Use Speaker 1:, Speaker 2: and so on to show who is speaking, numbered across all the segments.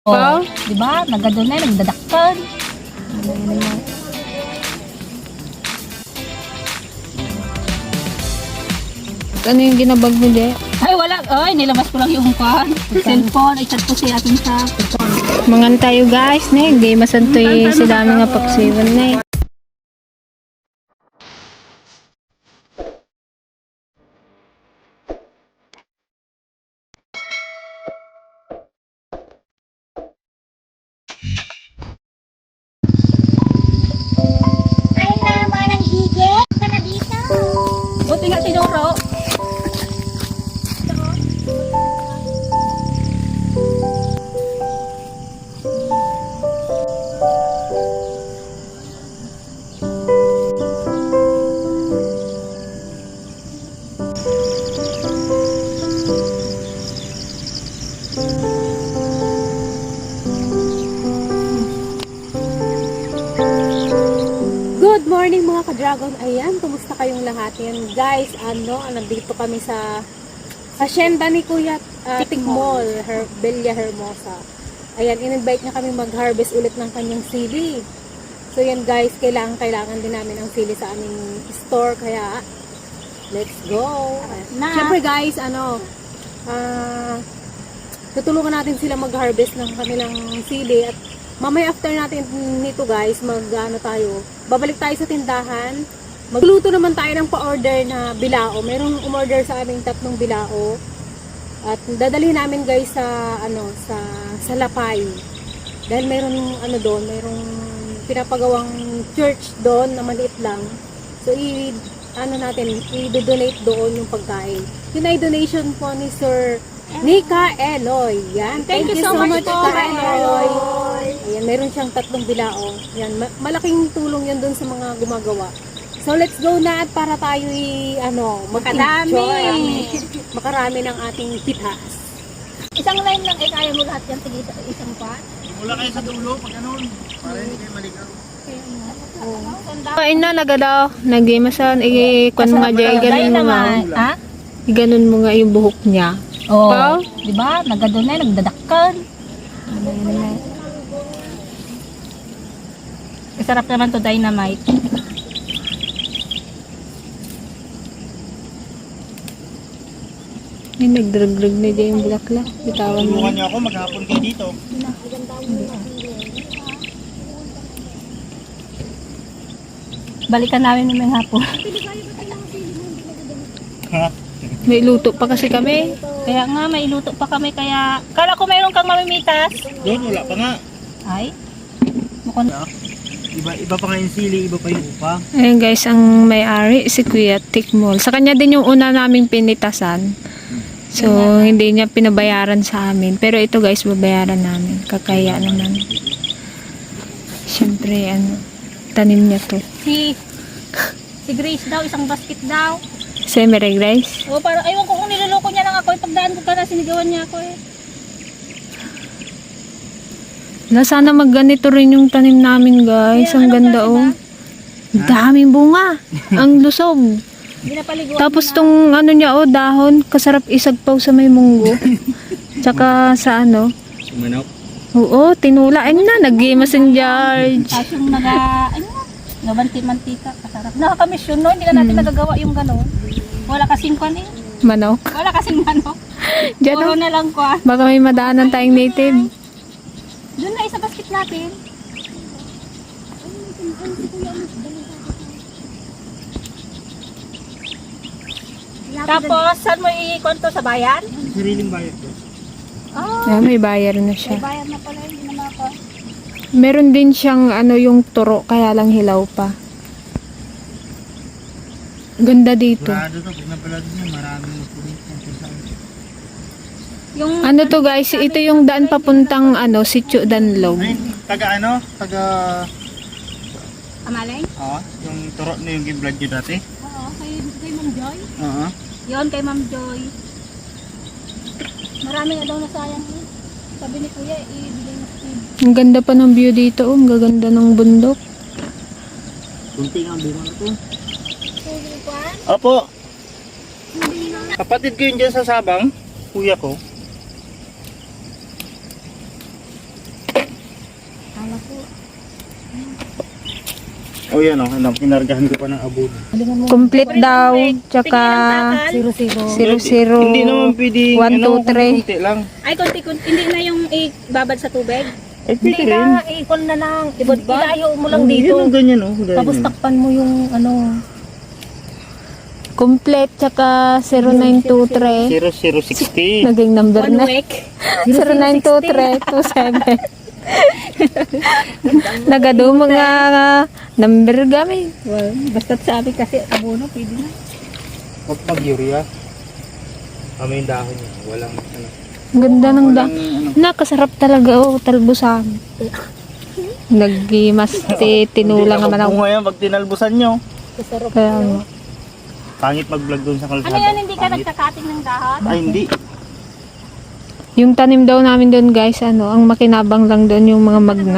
Speaker 1: Oh, di ba? Nagadunay, nagdadakpan.
Speaker 2: Ano yung ginabag mo, Je?
Speaker 1: Ay, wala. Ay, nilabas ko lang yung cellphone. Ay, chat ko si atin sa
Speaker 2: Mangan tayo guys, ne. Di masantoy si dami nga paksiwan, ne.
Speaker 3: Ay naman ang hige ka na dito.
Speaker 1: buti nga sinuro.
Speaker 4: Good morning mga ka-dragon. Ayan, kumusta kayong lahat? Yan guys, nandito kami sa hacienda ni Kuya Tikmol, Bella Hermosa. Ayan, in-invite niya kami mag-harvest ulit ng kanyang sili. So yan guys, kailangan din namin ang sili sa aming store. Kaya, let's go! Siyempre guys, tutulungan natin sila mag-harvest ng kanilang sili. At mamaya after natin nito guys, babalik tayo sa tindahan. Magluto naman tayo ng pa-order na bilao. Merong umorder sa aming 3 bilao. At dadalhin namin guys sa Lapay. Dahil merong merong pinapagawang church doon na maliit lang. So i-donate doon yung pagkain. Yun ay donation po ni Sir Nika Eloy. Yan. Thank you so much
Speaker 1: po,
Speaker 4: Nika Eloy. Ayan, meron siyang 3 bilao. Yan, malaking tulong yan doon sa mga gumagawa. So let's go na at para tayo mag-enjoy. Makarami ng ating pitas.
Speaker 1: Isang line lang, kaya mo lahat yan. Tigisa isang pa.
Speaker 5: Mula kayo sa dulo, pag ganun, para hindi kayo maligaw.
Speaker 2: Kain na, nagadaw. Nag-imasan, ikon mo nga, Je. Iganon mo nga.
Speaker 1: Ha?
Speaker 2: Iganon mo nga yung buhok niya.
Speaker 1: Oh,
Speaker 2: Pao?
Speaker 1: di ba? Nagadunay, nagdadakpan. Masarap naman to dynamite.
Speaker 2: Ay, nagdrag-drag na Je yung bulaklak. Bitawan mo.
Speaker 5: Tulungan niyo ako, maghapon kayo dito.
Speaker 1: Balikan namin may hapon.
Speaker 5: Ha?
Speaker 2: May luto pa kasi kami.
Speaker 1: Kaya nga, may iluto pa kami. Kaya, kala ko mayroon kang mamimitas.
Speaker 5: Doon, wala pa nga.
Speaker 1: Ay, mukhang
Speaker 5: Iba pa nga yung sili, iba pa yung upa.
Speaker 2: Ayun guys, ang may-ari si Kuya Tikmol. Sa kanya din yung una naming pinitasan. So, hindi niya pinabayaran sa amin. Pero ito guys, babayaran namin. Kakaya naman. Siyempre, tanim niya to.
Speaker 1: si Grace daw, isang basket daw.
Speaker 2: Semere guys.
Speaker 1: O, parang, aywan ko kung niloloko niya lang ako. Pagdaan ko ka na, sinigawan niya ako eh.
Speaker 2: Na sana magganito rin yung tanim namin guys.
Speaker 1: Kaya,
Speaker 2: Ang
Speaker 1: anong
Speaker 2: ganda
Speaker 1: klase
Speaker 2: oh. Daming bunga. Ang lusog.
Speaker 1: Ginapaliguan
Speaker 2: Tapos
Speaker 1: na.
Speaker 2: tong niya dahon, kasarap isagpaw sa may munggo. Tsaka sa
Speaker 5: Manok.
Speaker 2: Oo, tinula. Ayun na, nag-game St. George.
Speaker 1: Tapos yung nabanti-mantika, kasarap. Nakakamisyon, no? Hindi na natin nagagawa yung gano'n. Wala kasing kwan eh.
Speaker 2: Manok.
Speaker 1: Wala kasing manok.
Speaker 2: Diyan
Speaker 1: Puro
Speaker 2: oh.
Speaker 1: na lang kwa.
Speaker 2: Baka may madaanan tayong native.
Speaker 1: Doon na isa basket natin. Tapos, saan mo i-konto sa bayan?
Speaker 5: Sariling bayad ko.
Speaker 1: Oh,
Speaker 2: Yeah, may bayar na siya.
Speaker 1: may bayan na pala, hindi naman ako.
Speaker 2: Meron din siyang yung turo, kaya lang hilaw pa. Ganda dito.
Speaker 5: Sigurado to, pag napalad niyo, maraming magpunit yan kung saan.
Speaker 1: Yung,
Speaker 2: Ano to guys, ito yung daan papuntang Sitio Danlog.
Speaker 5: Ay, taga taga,
Speaker 1: Amalay?
Speaker 5: yung turo na yung giblad niyo dati.
Speaker 1: Oo, kay Ma'am Joy.
Speaker 5: Oo.
Speaker 1: Yon kay Ma'am Joy. Marami nga daw nasayang eh. Sabi ni Kuya, ibigay na sa
Speaker 2: Ang ganda pa ng view dito, ang gaganda ng bundok.
Speaker 5: Kunti na ang bunga na to.
Speaker 1: Kuya.
Speaker 5: Opo. Kapatid ko yun dyan sa Sabang, kuya ko. Oh yan o, ano, pinargahan ko pa ng abono.
Speaker 2: Complete daw. Tsaka 00.
Speaker 5: Hindi naman pwede,
Speaker 2: 1, 2, 3.
Speaker 5: konti lang.
Speaker 1: Ay, konti-konti. Hindi na yung ibabad sa tubig.
Speaker 5: Eh, pwede rin.
Speaker 1: Ikon na lang. Ilayo mo lang
Speaker 5: Yan
Speaker 1: dito.
Speaker 5: ang ganyan o.
Speaker 1: Tapos takpan mo yung ano.
Speaker 2: Complete. Tsaka 0923.
Speaker 5: 0060.
Speaker 2: Naging number
Speaker 1: One
Speaker 2: na.
Speaker 1: week.
Speaker 2: 092327. Nagado mga number gamit.
Speaker 1: Well, basta't sabi kasi abono, pwede na.
Speaker 5: Huwag mag-urea. Kami yung dahon niya. Walang ano.
Speaker 2: Ang ganda ng da.
Speaker 5: Walang ano.
Speaker 2: Nakasarap talaga talbusan. Nagmas tinulang naman ako.
Speaker 5: Bunga yan pag tinalbusan nyo.
Speaker 1: Kasarap.
Speaker 2: Kaya nga.
Speaker 5: Pangit mag-vlog doon sa kalsada.
Speaker 1: Ano yan, hindi ka
Speaker 5: Pangit.
Speaker 1: nagkakating ng dahon?
Speaker 5: Ay, hindi.
Speaker 2: Yung tanim daw namin doon guys, ano, ang makinabang lang doon yung mga magna.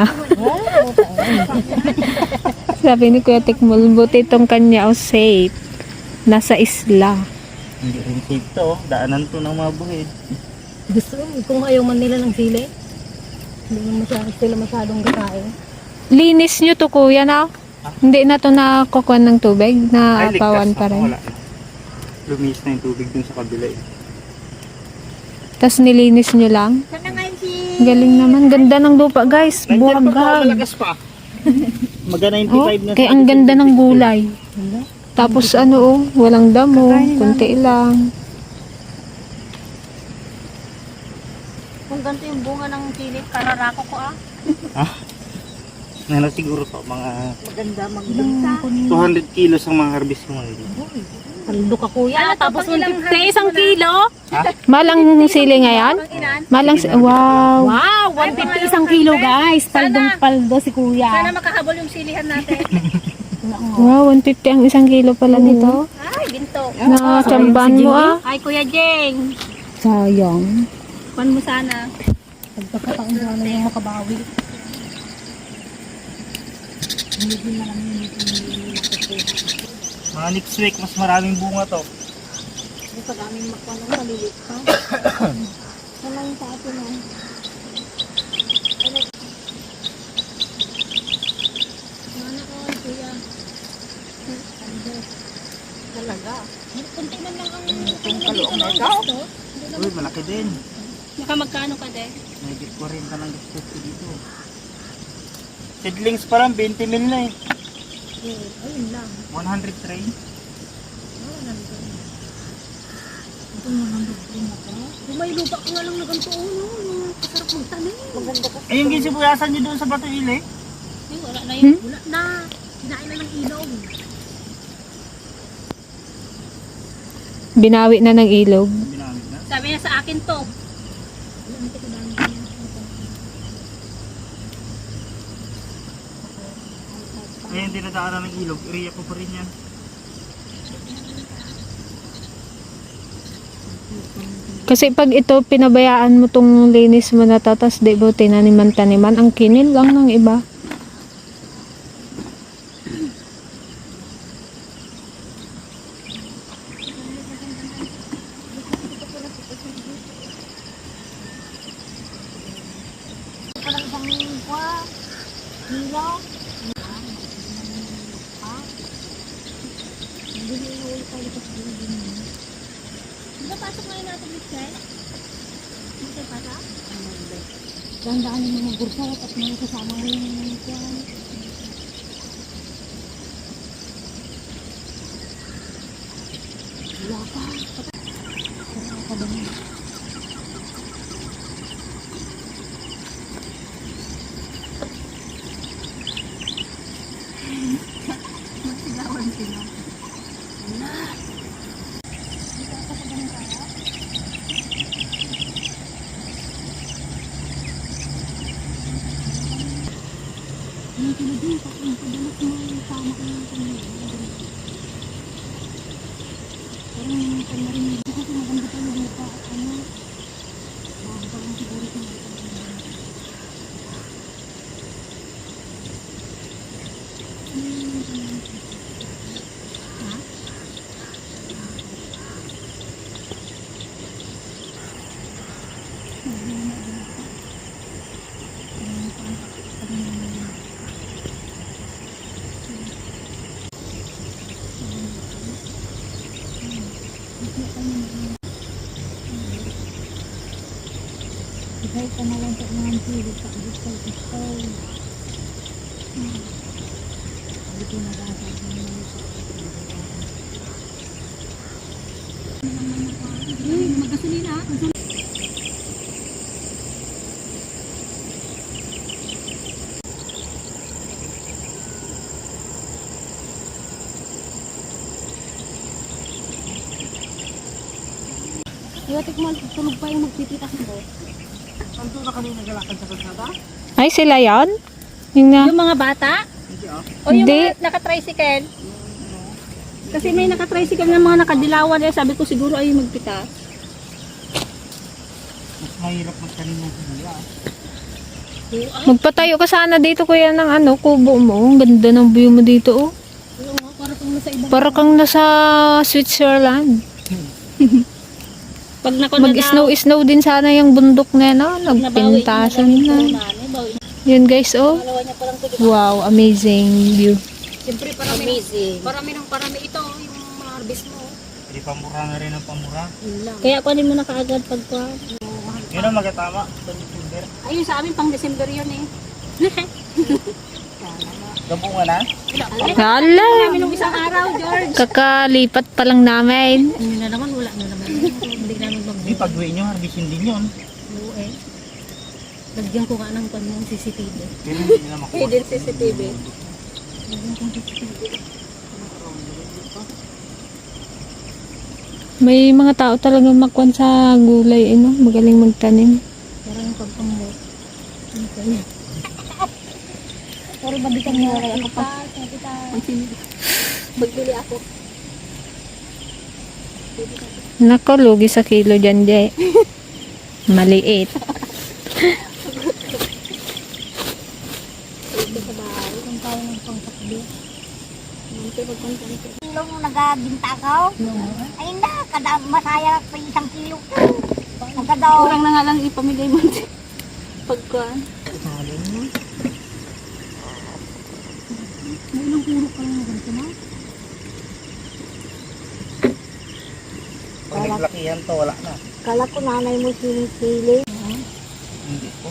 Speaker 2: Sabi ni Kuya Tikmol, buti itong kanya safe. Nasa isla.
Speaker 5: Hindi rin safe to. Daanan to ng mga buhid.
Speaker 1: Gusto kung ayaw man nila ng sili. Hindi naman sila masyadong gatae.
Speaker 2: Linis nyo to kuya na. Hindi na to nakukuha ng tubig, na
Speaker 5: Ay, ligtas
Speaker 2: apawan
Speaker 5: na.
Speaker 2: pa rin.
Speaker 5: Wala na. Lumis na yung tubig dun sa kabila eh.
Speaker 2: Tapos nilinis nyo lang.
Speaker 3: Sana ngayon si...
Speaker 2: Galing naman. Ganda ng lupa guys.
Speaker 5: Nandiyan pa to,
Speaker 2: Buwagag.
Speaker 5: malakas pa. Maga 95
Speaker 2: Oh,
Speaker 5: na.
Speaker 2: kaya ang ganda ng gulay. Tapos ano oh, walang damo. Kunti lang.
Speaker 1: Kung ganito yung bunga ng sili, kararako ko
Speaker 5: Ano siguro to, mga
Speaker 1: Maganda magbenta.
Speaker 5: 200 kilos ang mga harvest mo ngayon.
Speaker 1: Paldo ka kuya. Tapos sa isang kilo?
Speaker 2: Malang sili ngayon? Malang wow.
Speaker 1: Wow, 150 isang kilo guys. Paldong paldo si kuya. Sana makahabol yung silihan natin.
Speaker 2: Wow, 150 ang isang kilo pala nito.
Speaker 1: Ay, ginto.
Speaker 2: Na tsambahan mo ah.
Speaker 1: Ay, Kuya Jeng.
Speaker 2: Sayang.
Speaker 1: Pan mo sana. Pagkakataon sana yung makabawi.
Speaker 5: Mga next week, mas maraming bunga to.
Speaker 1: Pag aming makuha ng malilit pa. Sana yung sa atin oh. Mana ko, Kuya. Talaga. Kunti man lang ang kaluang na ikaw.
Speaker 5: Uy, malaki din.
Speaker 1: Nakamagkano ka din?
Speaker 5: May 40 ka ng gusto ko dito. Seedlings pa lang, 20 mil na eh.
Speaker 1: Ayun lang.
Speaker 5: 100 tray.
Speaker 1: Kung may lupa ko nga lang na ganito, no? Kasarap magtanim. Maganda ka.
Speaker 5: Eh, yung ginsibuyasan nyo doon sa Bato Ile.
Speaker 1: Ay, wala na yun. Wala na. Kinain na ng ilog.
Speaker 2: Binawi na ng ilog.
Speaker 5: Binamit na.
Speaker 1: Sabi niya sa akin to.
Speaker 5: Ngayon, dinadaanan ng ilog. Area ko pa rin yan.
Speaker 2: Kasi pag ito pinabayaan mo tong linis mo na tatas, di ba tinaniman-taniman, ang kinil lang ng iba.
Speaker 1: Napasok ngayon natin, Michelle? Hindi kayo pasok?
Speaker 3: Dandaan yung mga bursat at mga kasama mo yung kwan. Wala pa. Wala pa ba niya? Kahit ka na lang sa mga sili, sa gusto. Hindi ko nagasa. Magasolina.
Speaker 4: Iwatik mo, tulog pa yung magpipitas mo.
Speaker 5: Anto na kami naglalakad sa kalsada?
Speaker 2: Ay, sila yan? Yung na.
Speaker 4: Yung mga bata?
Speaker 5: Hindi ah.
Speaker 4: O yung
Speaker 2: Hindi.
Speaker 4: mga naka-tricycle? Kasi may naka-tricycle na mga nakadilawan eh. Sabi ko siguro ay magpitas.
Speaker 5: Mas mahirap magtanim ng sila.
Speaker 2: Magpatayo ka sana dito kuya ng ano, kubo mo. Ang ganda ng view mo dito oh.
Speaker 4: Para kung nasa ibang...
Speaker 2: Para kang nasa Switzerland.
Speaker 4: Pag
Speaker 2: Mag-snow din sana yung bundok na no? Nagpintasan na. Yun guys oh. Wow, amazing view.
Speaker 4: Siyempre parami ito. Yung mga harvest mo.
Speaker 5: Hindi pamura na rin ang pamura.
Speaker 4: Kaya kunin mo na kaagad pagka...
Speaker 5: Yun ang magkatama. December.
Speaker 4: Ayun sa amin pang December yun eh.
Speaker 5: Gabungan na?
Speaker 2: Hala!
Speaker 4: Kami nung isang araw, George.
Speaker 2: Kakalipat pa lang namin.
Speaker 1: Hindi na naman, wala na naman. Hindi namin
Speaker 5: Hindi, pag-uwi nyo, harbisin din yun.
Speaker 1: mag-buo eh. Lagyan ko nga ng panong CCTV.
Speaker 5: Pero hindi nila makuha.
Speaker 4: Hidden CCTV.
Speaker 2: May mga tao talaga makwan sa gulay, eh, no? Magaling magtanim.
Speaker 1: Parang yung pagpamot. Pero balikan mo wala ako pa.
Speaker 4: Magbili ako.
Speaker 2: Nako, lugi sa kilo dyan, Jay. Maliit.
Speaker 1: Ang tao ng pangtakbi.
Speaker 3: Kilo mo nagbinta ka? Ay na, kada masaya pa yung 1 kilo. Nagkadaw.
Speaker 4: Kurang na nga lang ipamigay mo. Pagka.
Speaker 5: Pag naglakihan to, wala na.
Speaker 3: Kala ko nanay mo sinisili.
Speaker 5: Hindi po.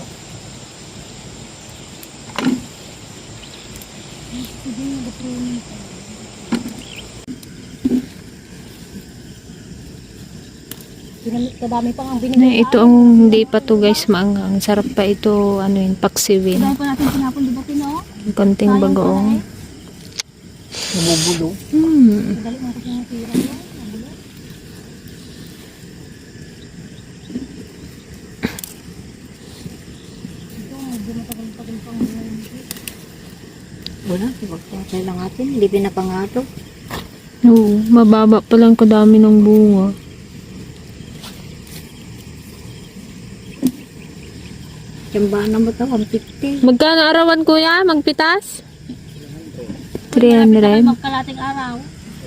Speaker 1: Kadami pang ang
Speaker 2: Na,
Speaker 1: binigay.
Speaker 2: ito ang hindi pa to guys maanghang. Sarap pa ito, ano yun, paksiwin.
Speaker 4: Dahil pa natin sinapon, di ba Pino?
Speaker 2: Konting bagoong.
Speaker 5: Nabubulo.
Speaker 1: Dali mo kasi yung tira.
Speaker 3: Wala, pagkakay lang natin. Hindi pinapangato.
Speaker 2: Oo, mababa pa lang kadami ng bunga.
Speaker 3: Tiyambaan na mo ito, 150.
Speaker 2: Magkano arawan kuya? Magpitas? 300.
Speaker 4: Magkalating araw.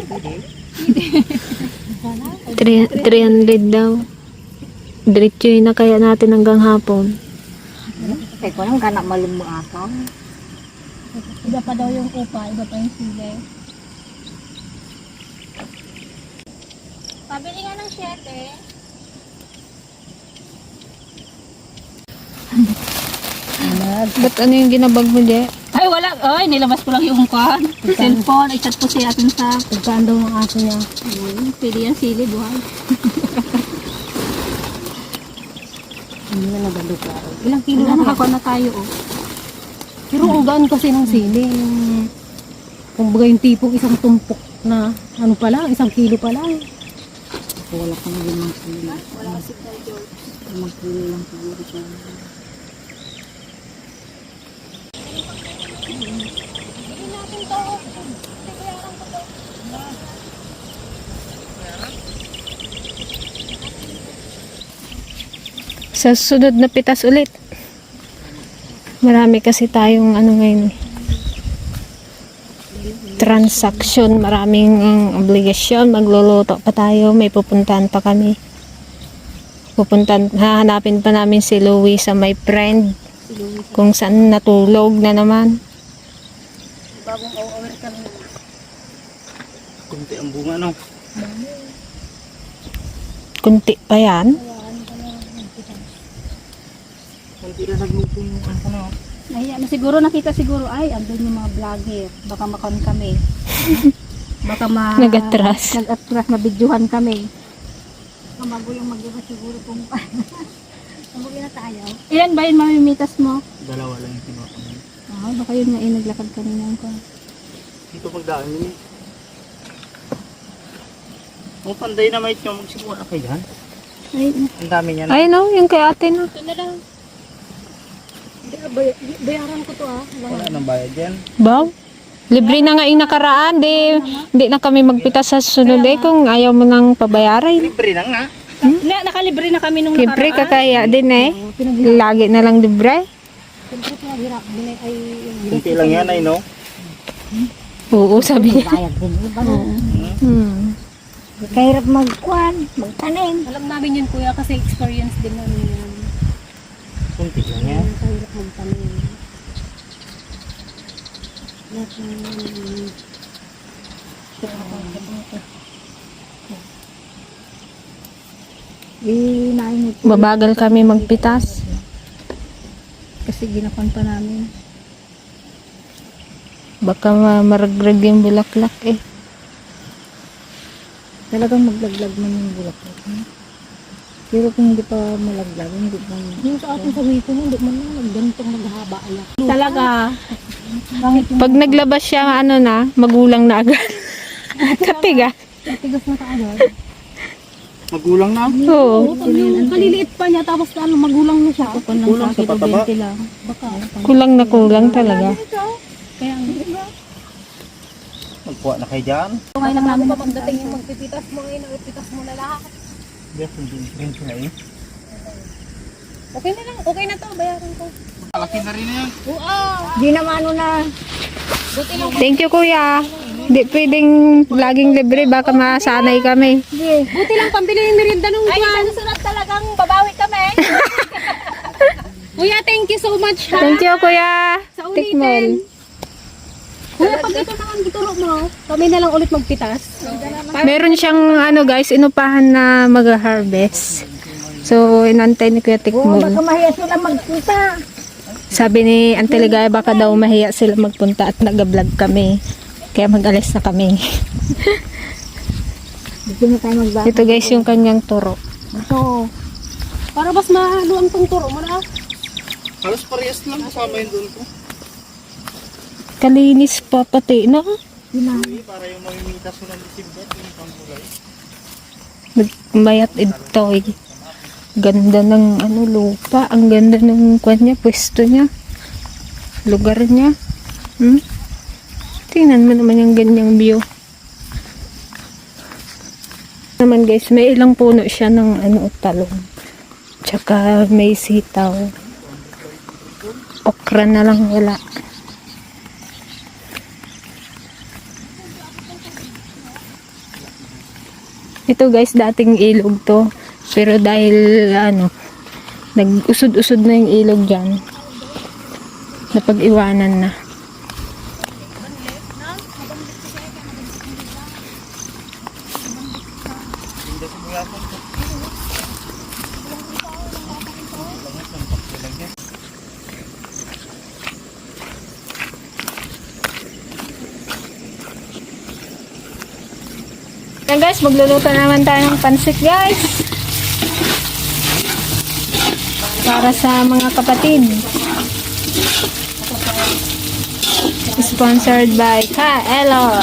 Speaker 2: 300 daw. Diretso yun na kaya natin hanggang hapon.
Speaker 3: Kaya ko lang kanak malumuakaw.
Speaker 4: Iba pa daw yung upa, iba pa yung sili. Pabili nga ng 7.
Speaker 2: Ba't ano yung ginabag mo, Je?
Speaker 4: Ay, wala. Ay, nilabas ko lang yung kwan. Cellphone. Ay, chat ko siya atin sa...
Speaker 1: Pagkaan daw ng aso niya.
Speaker 4: Pili yan, sili, buhay.
Speaker 3: Hindi na nagado ka.
Speaker 1: Ilang kilo
Speaker 4: Wala,
Speaker 1: na
Speaker 4: nakakuha na tayo, oh.
Speaker 1: Pero ang gaan kasi ng sili. Yung, kumbaga yung tipong isang tumpok na ano pa lang, 1 kilo pa lang.
Speaker 3: Wala ka na 5 kilo.
Speaker 4: Wala kasi tayo, George.
Speaker 3: 5 kilo lang siguro siya.
Speaker 2: Sa sunod na pitas ulit. Marami kasi tayong ano ngayon. Transaction, maraming obligasyon. Magluluto pa tayo, may pupuntahan pa kami. Hahanapin pa namin si Louie sa my friend. Kung saan natulog na naman.
Speaker 4: Bagong over kami.
Speaker 5: Kunti ang bunga, no?
Speaker 2: Kunti pa yan.
Speaker 5: Hindi na nagluto yung ano.
Speaker 3: Nahiya na siguro, nakita siguro, ay, andun yung mga vlogger. Baka makon kami. Baka
Speaker 2: Nag-atras.
Speaker 3: Nag-atras, mabidyohan kami. Mabago yung mag-iba siguro kung mabugi na tayo. Ilan ba yung mamimitas mo?
Speaker 5: Dalawa lang yung kinuha ko.
Speaker 3: Baka yun nga naglakad kanina ko.
Speaker 5: Dito pagdaan yun eh. Kung panday na may nyo, magsimula kayo dyan.
Speaker 3: Ay,
Speaker 5: Ang dami niya na.
Speaker 2: Ay no, yung kay ate na.
Speaker 3: ito na lang. Bayaran ko to
Speaker 5: Wala nang bayad yan.
Speaker 2: Baw? Libre na nga yung nakaraan, di na kami magpitas sa susunod kung ayaw mo nang pabayaran.
Speaker 5: Libre lang nga.
Speaker 3: Nakalibre na kami nung
Speaker 2: Libre kakaya din Lagi na lang libre.
Speaker 3: Siyempre pinaghirap din ay
Speaker 5: Kunti lang yan ay no.
Speaker 2: Oo, sabi niya.
Speaker 3: bayad din. Iba na.
Speaker 2: Hmm.
Speaker 3: Kahirap magkuhan, magtanim.
Speaker 4: Alam namin yun kuya kasi experience din namin yan.
Speaker 5: Kunti lang yan.
Speaker 3: Kahirap magtanim.
Speaker 2: Babagal kami magpitas.
Speaker 3: Kasi ginapan pa namin.
Speaker 2: Baka maragrag yung bulaklak
Speaker 3: Talagang maglaglag man yung bulaklak. Pero kung hindi pa malaglag, hindi pa. Yung sa atin sa wiko mo, hindi man lang nagganitong naghahaba ayak. Talaga.
Speaker 2: Pag naglabas siya, magulang na agad. Katiga.
Speaker 3: Tigas na kaagad.
Speaker 5: Magulang na.
Speaker 2: Oo.
Speaker 3: Yung kaliliit pa niya, tapos magulang na siya.
Speaker 5: Kulang sa pataba.
Speaker 3: lang. Baka.
Speaker 2: Kulang na kulang talaga.
Speaker 3: Kaya ang
Speaker 5: Magkuha na kayo dyan.
Speaker 3: ngayon lang namin
Speaker 4: Pagdating yung magpipitas mo ngayon, ipitas mo na lahat.
Speaker 5: Yes, hindi rin sila eh.
Speaker 4: Okay na lang, okay na to, bayaran ko.
Speaker 5: Malaki na rin yan.
Speaker 3: Di naman na.
Speaker 2: Thank you, kuya. Hindi pwedeng laging libre, baka masanay kami.
Speaker 4: Buti lang pambili yung merienda nung
Speaker 3: Ay, sa susunod talagang babawi kami.
Speaker 4: Kuya, thank you so much ha.
Speaker 2: Thank you, kuya.
Speaker 4: Sa
Speaker 2: Tikmol.
Speaker 4: ulitin. Kuya, pag ito naman gituro mo, kami na lang ulit magpitas.
Speaker 2: Meron siyang guys, inupahan na mag-harvest. So, inantay ni Kuya Tikmol.
Speaker 3: Mahiya sila magpunta.
Speaker 2: Sabi ni Auntie Ligaya, baka daw mahiya sila magpunta at nag-vlog kami. Kaya mag-alis na kami.
Speaker 3: Dito na tayo magbago.
Speaker 2: Ito guys, yung kanyang turo.
Speaker 3: So,
Speaker 4: Para mas mahalo ang tungturo mo na.
Speaker 5: Halos parehas lang kasama yun doon ko.
Speaker 2: Kalinis pa pati na.
Speaker 5: Para yung mamimitas mo ng December, yung pangkulay.
Speaker 2: Nagmayat ito Ganda ng lupa. Ang ganda ng kanya, pwesto niya. Lugar niya. Tingnan mo naman yung ganyang view. Naman guys, may ilang puno siya ng talong. Tsaka may sitaw. Okra na lang wala. Ito guys, dating ilog to. Pero dahil nag-usod-usod na yung ilog dyan. Napag-iwanan na. Yan guys, magluluto naman tayo ng pansit guys. Para sa mga kapatid. Sponsored by Ka-Eloy.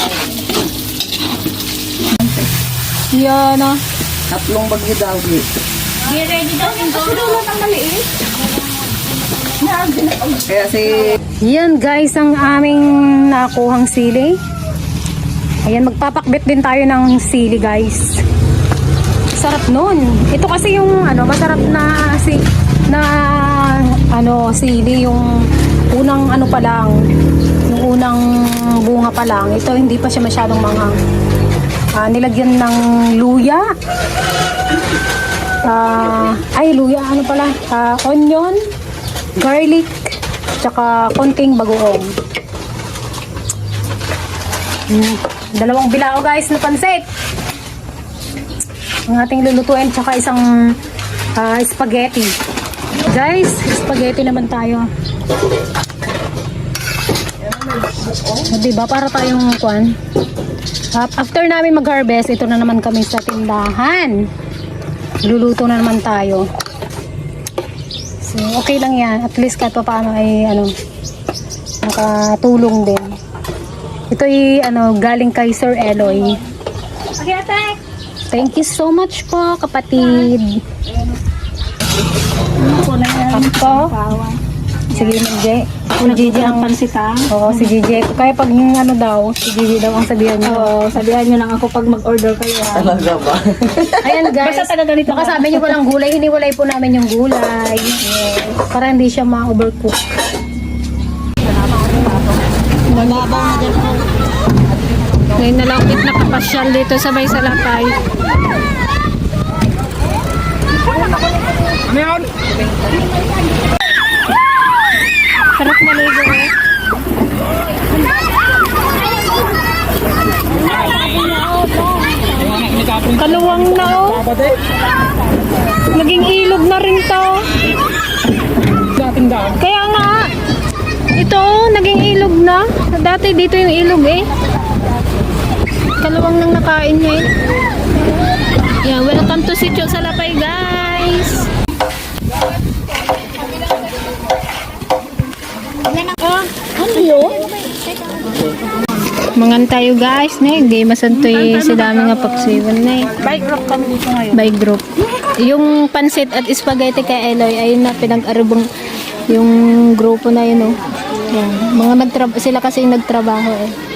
Speaker 2: Yan o.
Speaker 5: Tatlong bagyo daw eh.
Speaker 3: ready daw yung dulo ng maliit.
Speaker 5: Kaya si...
Speaker 1: Yan guys, ang aming nakuhang sili. Ayan, magpapakbit din tayo ng sili guys. Sarap nun. Ito kasi yung masarap na sili, yung unang pa lang, yung unang bunga pa lang. Ito hindi pa siya masyadong manghang. Nilagyan ng luya. Luya, onion, garlic, tsaka konting bagoong. Dalawang bilao guys na pansit. Ang ating lulutuin, tsaka isang spaghetti. Guys, spaghetti naman tayo. O, diba? Para tayong kwan. After namin mag-harvest, ito na naman kami sa tindahan. Luluto na naman tayo. So, okay lang yan. At least kahit pa paano ay nakatulong din. Ito ay galing kay Sir Eloy. Thank you so much po, kapatid. Ako? Sige, Gigi. Ako na Gigi ang
Speaker 3: pansita.
Speaker 1: Oo, si Gigi. Kaya pag yung si Gigi daw ang sabihan niyo.
Speaker 3: Oo, sabihan nyo lang ako pag mag-order kayo.
Speaker 5: Talaga ba?
Speaker 1: Ayan guys,
Speaker 3: Basta taga ganito
Speaker 1: baka sabi niyo walang gulay, hiniwalay po namin yung gulay. Para hindi siya ma-overcook.
Speaker 2: Ngayon na lang ulit nakapasyal dito sabay sa Lapay.
Speaker 5: Ano yun?
Speaker 2: Sarap maligo eh. Kaluwang na oh. Naging ilog na rin to. Kaya nga. Ito oh, naging ilog na. Dati dito yung ilog eh. Kaluwang nang nakain niya eh. Yeah, welcome to Sitio Salapay guys. Mangan tayo guys, ne. Game masantoy sa dami nga paksiwan na eh.
Speaker 3: Bike group kami dito ngayon.
Speaker 2: By group. Yung pansit at spaghetti kay Eloy ay na pinag-arubong yung grupo na yun oh. Yan. Mga sila kasi yung nagtrabaho eh.